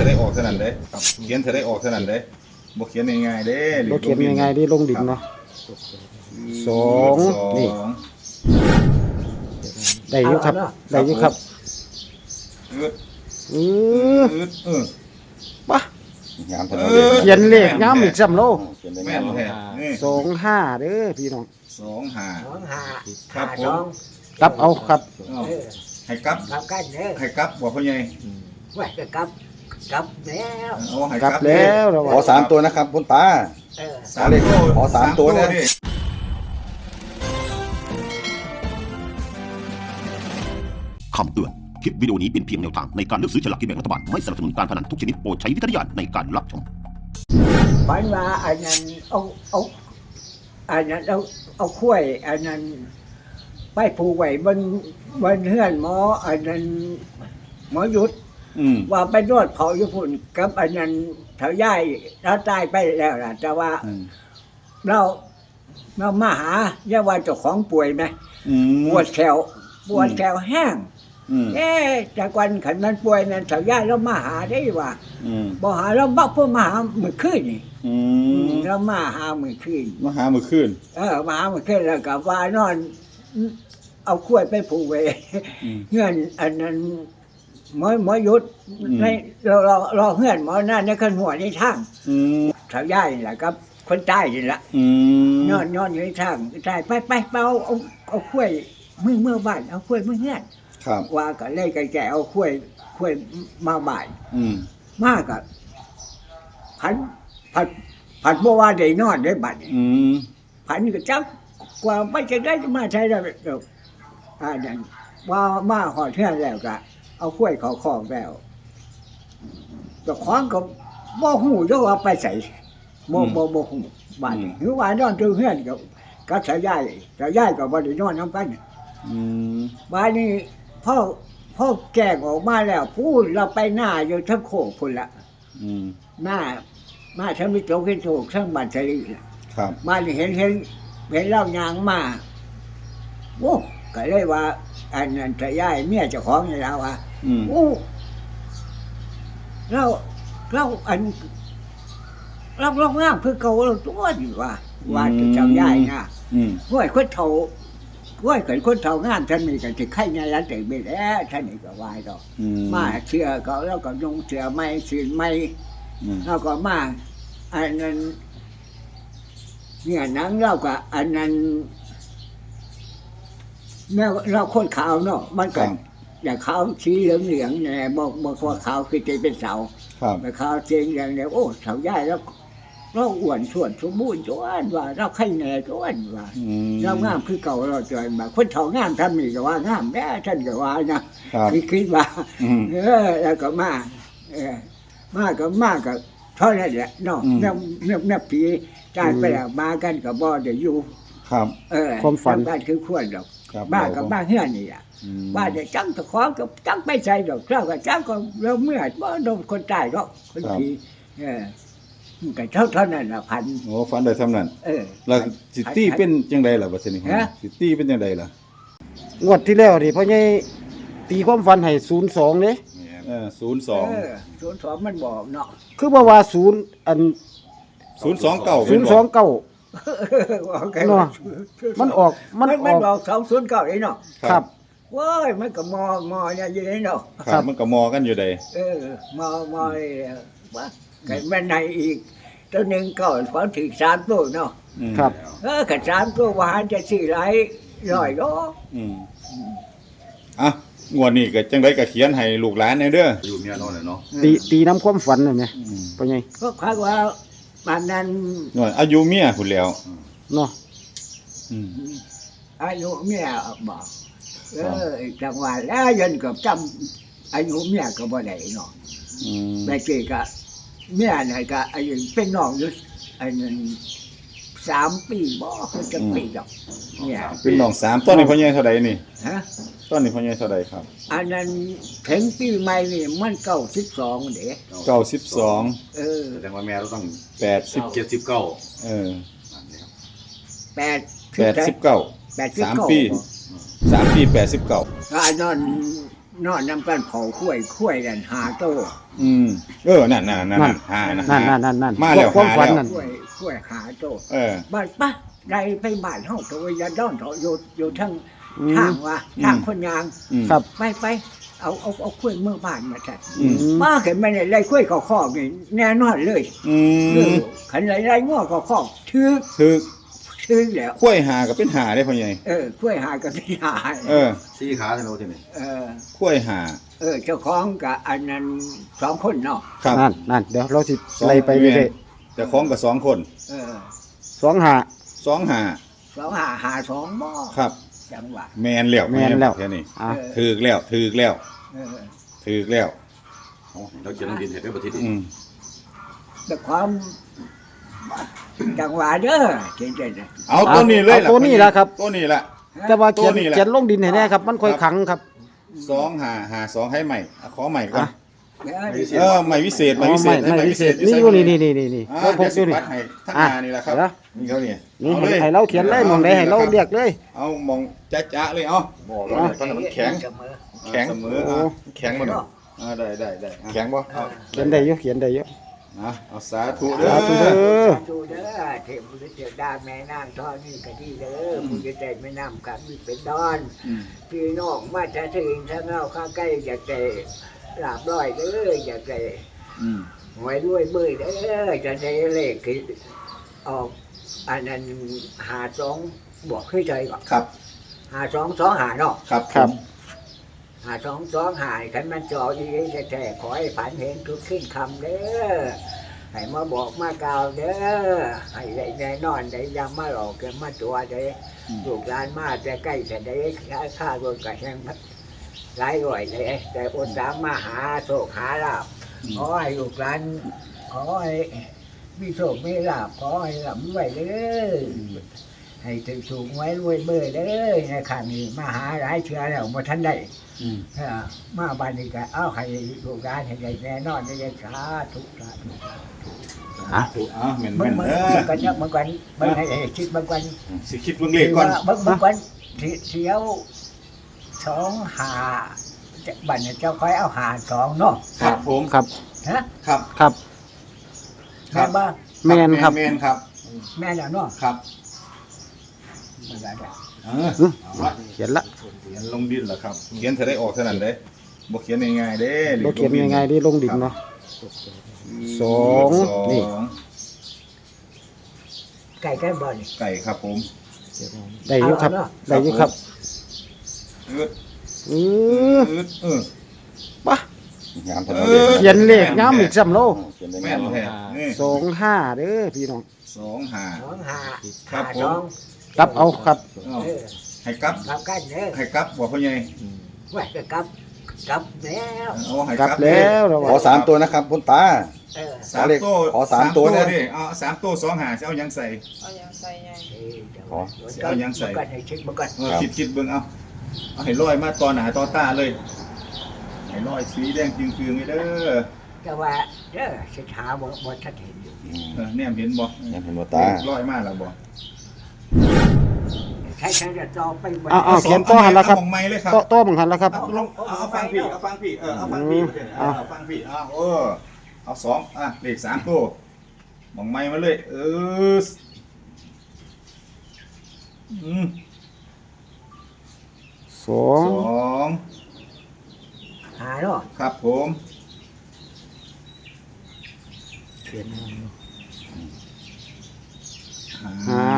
จะได้ออกเท่านั้นเลยเขียนจะได้ออกเท่านั้นเลยบ่เขียนง่ายๆเด้บ่เขียนง่ายๆดิลงดินเนาะสองนี่ได้อยู่ครับได้อยู่ครับปะงามถนนเขียนเลขงามอีกซ้ำโลแม่นแท้นี่ 25เด้อพี่น้อง 25ครับผมกลับเอาครับให้กลับกับกันเด้อให้กลับบ่พ่อใหญ่ไว้ก็กับแล้วเอาให้กลับแล้วเราขอ3ตัวนะครับคุณตา ขอ3ตัวนะคำเตือน คลิปวิดีโอนี้เป็นเพียงแนวทางในการเลือกซื้อฉลากกินแบ่งรัฐบาล ไม่สนับสนุนการพนันทุกชนิดโปรดใช้วิจารณญาณในการรับชมฝันว่าอันนั้นเอาอันนั้นเอาข้วยอันนั้นไปผูกไว้บนเฮือนหมออันนั้นหมอหยุดว่าไปนวดเขาอยู่พุ่นกับอันนั้นเถาย่ายเราตายไปแล้วล่ะแต่ว่าเรามาหาเรียกว่าเจ้าของป่วยไหมปวดแขวแห้งจากวันขันมันป่วยนั่นเถาย่ายเรามาหาได้ว่าบ่หาเราบักเพื่อมาหามือขึ้นนี่เรามาหามือขึ้นมาหามื้อคืนมาหามือขึ้นแล้วก็ว่านอน เอาขวดไปผูกไว้เงื่อนอันนั้นหมอยุดในรอเงื่อนหมอหน้าในขันหัวในทางเถาย่ายนี่แหละครับคนใต้นี่แหละนอนอยู่ในทางใต้ไปเอาขวดเมื่อบ้านเอาขวดเมื่อเงื่อนว่าก็เลยกันแก่เอาขวดมาบ้านมากกับผัดบัวว่าได้นอนได้บัดผันก็จับกว่าไม่จะได้มาใช้ได้นั่นว่ามาหอดเทื่อนแล้วก็เอาขวดเขาคล้องแล้วแต่คล้องก็บ่หูจะว่าไปใส่บ่หูบ้านหรือว่านอนตื่นเฮือนก็สายใหญ่ก็บ่ได้นอนนำกันบ้านนี้พ่อแก่ออกมาแล้วพูดเราไปหน้าอยู่ทั้งโคกพุ่นละหน้าทั้งมิตรขึ้นถูกทั้งบัตรลีครับบ้านนี้เห็นเล่ายางมาโอ้ก็เลยว่าอันนั้นจะย้ายเมียเจ้าของนี่แล้วว่าโอ้เราอันเรางามคือเก่าเราตัวนี่ว่าจะเจ้าย้ายนะห้วยคนเฒ่าห้วยเกิดคนเฒ่างามท่านนี่ก็สิไข่ในร้านแต่ไปแล้วท่านนี่ก็วายดอกมาเชื่อเขาแล้วก็ยงเชื่อไม่สิไม่แล้วก็มาอันนั้นเนี่ยนังเราก็อันนั้นเราคนขาวเนาะมันก็อย่างขาวสีเหลืองเนี่ยบอกว่าขาวคือจะเป็นเสาแต่ขาวเชียงอย่างเดียวโอ้เสาใหญ่แล้วเราอ้วนส่วนสมบูรณ์จวนว่าเราไข่แน่จวนว่าเรางามคือเก่าเราจวนมาคนเฒ่างามทำนี่ก็ว่างามแม่ท่านก็ว่านะคิดว่าแล้วก็มาก็เท่านั้นแหละเนาะเนี่ยผีจ่ายไปแล้วมากันกับบ่เดี๋ยวอยู่ความฝันบ้านคือขวดดอกบ้านกับบ้านเฮือนนี่อ่ะบ้านจะจังตะขอกับจังไปใส่ดอกเจ้าก็จังก็เราเมื่อบ่โดนคนตายก็คนผีก็เท่านั้นล่ะพันโอ้ฝันได้เท่านั้นแล้วสิตี้เป็นจังได๋ล่ะบัดนี้สิตี้เป็นจังได๋ล่ะงวดที่แล้วนี่พ่อใหญ่ตีความฝันให้02เด้ 02มันบอกเนาะคือบ่ว่า0อัน 029 เนาะมันออก 209ไอ้เนาะครับว้ยมันก็มอเนี่ยอยู่ไอ้เนาะครับมันก็มอกันอยู่ใดมอว่าไก่แม่ในอีกตัวนึงก็พอถึง3ตัวเนาะครับก็3ตัวว่าจะสิหลายร้อยดอกงวดนี้ก็จังได๋ก็เขียนให้ลูกหลานแน่เด้ออยู่เมียนอนเนาะตีน้ำความฝันนั่นแหมพ่อใหญ่ก็คาดว่าบ้านนั้นอายุเมียพุ่นแล้วเนาะอายุเมียบอกจังหวะแล้วยันกับจำอายุเมียก็บ่ได้เนาะแต่เจก็เมียน่ะก็อายุเป็นน้องอยู่อันนั้น3 ปีบ่คือจะปีดอกเนี่ยเป็นน้อง3ตอนนี้พ่อใหญ่เท่าใดนี่ตอนนี้พ่อใหญ่เท่าใดครับอันนั้นถึงปีใหม่นี่มัน92เด้ 92 แสดงว่าแม่เราต้อง 80 79 89 3 ปี89 อันนั้นนอนนำกันเผาคุ้ยกันหาโตนั่นหานะนั่นมาแล้วความฝันหาแล้วนั่นคุ้ยหาโตเออบ้านปะได้ไปบ้านเฮาตัวยาดอนเถาะอยู่ทางอืมทางว่าทางคนยางครับไปเอาคุ้ยเมื่อบ้านมาจัดอืมมาเห็นมันไล่คุ้ยคอกนี่แน่นอนเลย ขันไล่ง้อคอกทึกคือแล้วข้วยหาก็เป็นหาได้พ่อใหญ่คุ้ยหากับพี่หาสี่ขาใช่ไหมที่นี่ข้วยหาเจ้าของกับอันนั้น2 คนเนาะครับนั่นเดี๋ยวเราสิไล่ไปเรื่อยแต่ของกับ2 คนๆ2 5 2หา 2 หา2บ่ครับจังหวะแม่นแล้วแค่นี้อ่ะถูกแล้วเออเราเขียนลงดินเห็นได้ประเทศนี้แต่ความจังหวะเด้อเจ๋งๆเอาตัวนี้เลยเอาตัวนี้ล่ะครับตัวนี้ล่ะแต่ว่าเขียนตัวนี้แหละเขียนลงดินให้แน่ครับ มันค่อยขังครับ 2หา2ให้ใหม่ขอใหม่ก่อนอ่ะใหม่วิเศษอ๋อไม่วิเศษนี่อยู่นี่เราพกอยู่นี่ให้ทั้งหน้านี่แหละครับเดี๋ยวนี่เขานี่นี่เอาเลยให้เราเขียนเลยมองใดให้เราเรียกเลยเอามองจ๊ะเลยเอาบอกแล้วตอนนั้นมันแข็ง แข็งเสมอโอ้แข็งบ่เนาะได้แข็งบ่เขียนได้เยอะเขียนได้เยอะเอาสาธุเด้อสาธุเด้อดูเด้อเทพบุตรเจ้าดาแม่นางทอนี่ก็ดีเด้อผู้จะได้แม่น้ำกันมีเป็นดอน พี่น้องมาจะถึงถ้าเงาข้าใกล้อยากได้ลาบร้อยเด้ออยากได้หวยด้วยเบยเด้อจะได้เลขคือออกอันนั้น52บวกขึ้นใจก่อนครับ 52 2 5เนาะครับครับ 52 2 5คันมันจออีกแท้ๆขอให้ฝันเห็นทุกขึ้นคำเด้อให้มาบอกมากล่าวเด้อให้ได้แน่นอนได้ยังมาหลอกกันมาตัวได้ลูกหลานมาจะใกล้จะได้ค่ารถกับแห่งหลายร้อยเลยแต่อดสามมาหาโชคหาลาบขอให้ลูกหลานขอให้มีโชคมีลาบขอให้ร่ำรวยเด้อให้ถึงสูงไว้รวยเบอร์เด้อในข้างนี้มาหาหลายเชื้อแล้วมาทันได้มาบ้านนี้ก็เอาให้ลูกหลานให้ได้แน่นอนได้สาธุสาธุเหม็นมันเด้อกันเนี่ยมันกันมันให้คิดมันกันสิคิดเบิ่งเลขก่อนมันกันเสียว2 หาบัดเนี่ยเจ้าค่อยเอาหา2เนาะครับผมครับฮะครับครับแม่บ้าแม่นครับแม่นครับแม่แล้วเนาะครับมันได้เขียนละเขียนลงดินเหรอครับ เขียนจะได้ออกเท่านั้นเด้บ่เขียนง่ายๆเด้เราเขียนยังไงดีลงดินเนาะ สอง นี่ไก่บ่นี่ไก่ครับผมได้อยู่ครับ ได้อยู่ครับอึดอืออึดปะงามถนนเขียนเลขงามอีกซ้ำโลเขียนได้แม่งามนแท้นี่ 25เด้อพี่น้อง 2 2 หาครับผม 2 กลับเอาครับเอาให้กลับกลับกันเด้อให้กลับบ่พ่อใหญ่ว่าจะกลับแล้วเอาให้กลับแล้วเราขอ3ตัวนะครับคุณตาสามตัวขอ3ตัวนะดิเอา3ตัว2หาสิเอาหยังใส่เอาอย่างใส่ไงขอเอายังใส่กันให้คิดมันกันคิดเบิ่งเอาให้ลอยมาตอนหน้าตอตาเลยให้ลอยสีแดงจึงๆนี่เด้อแต่ว่าเด้อสิหาบ่ทันเห็นอยู่แนมเห็นบ่ยังเห็นบ่ตาลอยมาแล้วบ่ใช้จะต่อไปบ่เอาเขียนต่อหันละครับเอาของไม้เลยครับโต้บังหันละครับเอาลงเอาฟังพี่เอาฟังพี่เอาฟังพี่เอาฟังพี่เอา2เลข3ตัวมองไม้มาเลยสอง 2 หาเนาะครับผมเขียนห้า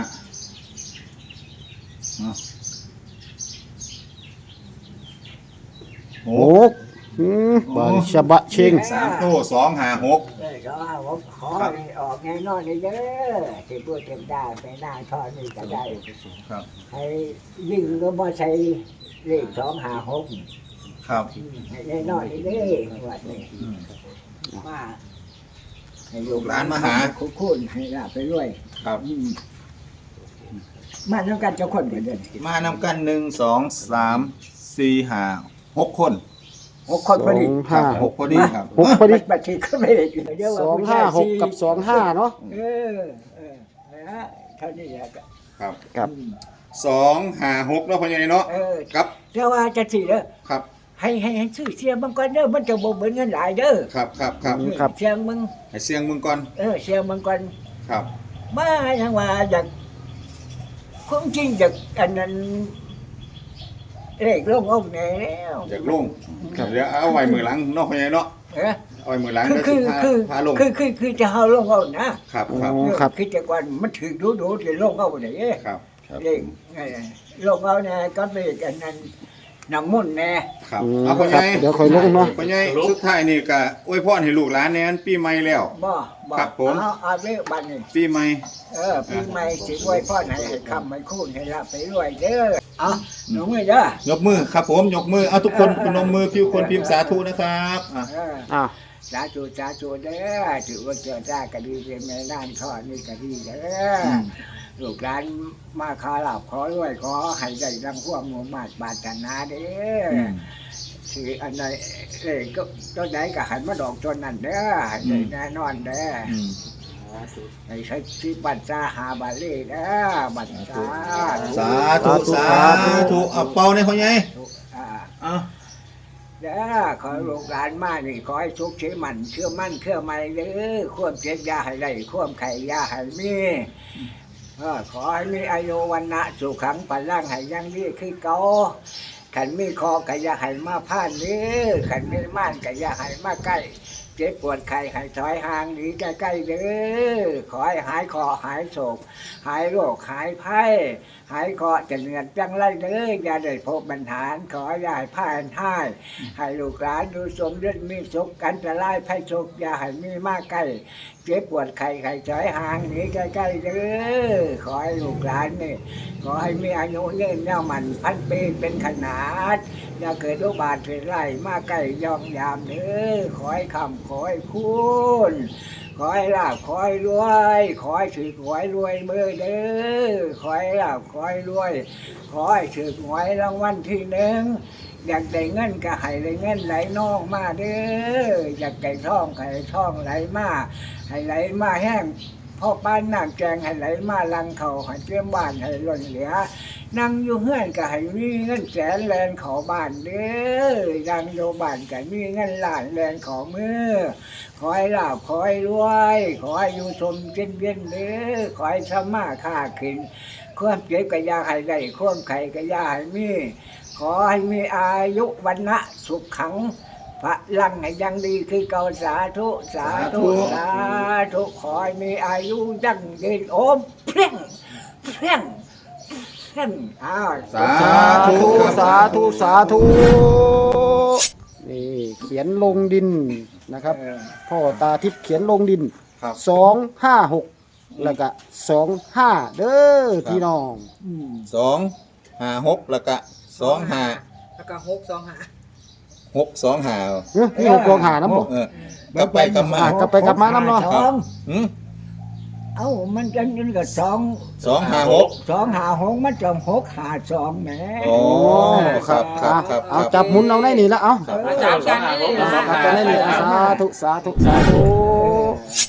หกบาริชบะเชง 3ตัว2 5 6 ก็ว่าขอให้ออกแน่นอนเลยเด้อที่พูดเต็มได้ไปหน้าทอนี่ก็ได้ครับให้ยิ่งก็บ่ใช้เลข2 5 6 ครับให้แน่นอนเลยเด้อว่านี่มาให้ลูกหลานมาหาคุณให้ลาบไปด้วยครับมาทำกันเจ้าคนเหมือนเดิมมานำกัน1 2 3 4 5 6 คน 6 คนพอดี 6พอดีครับหกพอดีบัตรที่ก็ไม่ได้อยู่เยอะว่าผู้ชาย 256 กับ 25 เนาะนะฮะเท่านี้แหละครับครับ 2 5 6แล้วพอใหญ่เนาะเออครับเรียกว่าจะสี่เด้อครับให้ซื้อเสียงมันก่อนเด้อมันจะบ่เบิ่งเงินหลายเด้อครับครับเสียงมึงให้เสียงมึงก่อนเสียงมันก่อนครับมาอย่างว่าอยากคงจริงอยากอันนั้นเลขลงเอาแน่แล้วอยากลงเดี๋ยวเอาไว้มือหลังเนาะพ่อใหญ่เนาะเอ้อเอาไว้มือหลังคือเดี๋ยวคือสิพาลงคือจะเอาลงเอานะครับครับโอ้ครับคือแต่ก่อนมันถึงดูจะลงเอาไหนครับเลขลงเอาแน่ก็เลขอันนั้นน้ำมนต์แน่ครับอืมเอาพ่อคใหรัญ่บเดี๋ยวค่อยลงเนาะพ่อใหญ่สุดท้ายนี่ก็อวยพรให้ลูกหลานแน่นปีใหม่แล้วบ่ครับผมเอาเลขบัตรนี่ปีใหม่ปีใหม่สิไว้พ่อไหนให้คำให้คูณให้รับไปรวยเด้อเอาหนูมือเด้อยกมือครับผมยกมือเอาทุกคนพนมมือพิวคนพิมพ์สาธุนะครับอ่ะอ่ะสาธุเด้อถือว่าเจอจ้ากะดีเป็นแม่ด้านข้อนี่กะดีเด้อลูกหลานมาขอหลับขอรวยขอให้ได้ดังพวกหมู่มาดบาตนาเด้อสิอันใดก็ต้นใดก็หันมาดอกต้นนั้นเด้อให้ได้แน่นอนเด้ออืมให้ใช้ที่บัตรซาหาบาลีนะบัตรซาสาธุสาธุเอาเป่าในพ่อใหญ่อ่าเอาเด้อขอลูกหลานมานี่ขอให้สุขเชื่อมั่นเชื่อมั่นเชื่อมั่นเด้อความเจ็บยาให้ได้ความไข่ยาให้มีขอให้มีอายุวันนะสุขังปันร่างให้ยังดีคือเก่าขันมีคอก็อย่าให้มาพลาดเด้อขันมีม่านก็อย่าให้มาใกล้เจ็บปวดไข้ให้ถอยห่างหนีใกล้ๆเด้อขอให้หายคอหายโศกหายโรคหายภัยหายคอจะเหนื่อยจังไรเด้ออย่าได้พบปัญหาขออย่าให้พ่ายให้ให้ลูกหลานดูสมฤทธิ์มีสุขกันจะไล่ภัยโศกอย่าให้มีมากใกล้เจ็บปวดไข้ถอยห่างหนีใกล้ๆเด้อขอให้ลูกหลานนี่ขอให้มีอายุยืนยาวมันพันปีเป็นขนาดอย่าเกิดโรคบาดเป็นไรมาใกล้ย่องยามเด้อขอให้คำขอให้คุณขอให้ลาภขอให้รวยขอให้ถือขอให้รวยเบอร์เด้อขอให้ลาภขอให้รวยขอให้ถือหวยรางวัลที่หนึ่งอยากได้เงินก็ให้ได้เงินไหลนองมาเด้ออยากได้ทองก็ให้ทองไหลมาให้ไหลมาแห้งพ่อป้านน้ำแกงให้ไหลมาลังเขาให้เตรียมบ้านให้ล้นเหลือนั่งอยู่เฮือนก็ให้มีเงินแสนแลนขอบ้านเด้อนั่งอยู่บ้านก็มีเงินล้านแลนขอมือขอให้ลาภขอให้รวยขอให้อยู่ชมเย็นเย็นเด้อขอให้สมาค้าขึ้นความเจ็บก็อย่าให้ได้ความไข้ก็อย่าให้มีขอให้มีอายุวันนะสุขขังพระลังให้ยังดีคือเก่าสาธุสาธุสาธุขอให้มีอายุยั่งยืนโอมเพียงเพียงเพียงอ้าวสาสาธุธุครับสาธุสาธุนี่เขียนลงดินนะครับ พ่อตาทิพย์เขียนลงดินครับ 256แล้วก็25เด้อพี่น้อง 256แล้วก็25 แล้วก็6 2 5 625 พี่6กองหาน้ำบ่กลับไปกลับมากลับไปกลับมาน้ำเนาะสองหืมเอ้ามันจะนี่ก็สอง 256 256มันจะ652แหมโอ้ครับครับครับเอาจับหมุนเอาได้นี่ละเอาครับอาจารย์กันนี่จับกันได้นี่สาธุสาธุสาธุ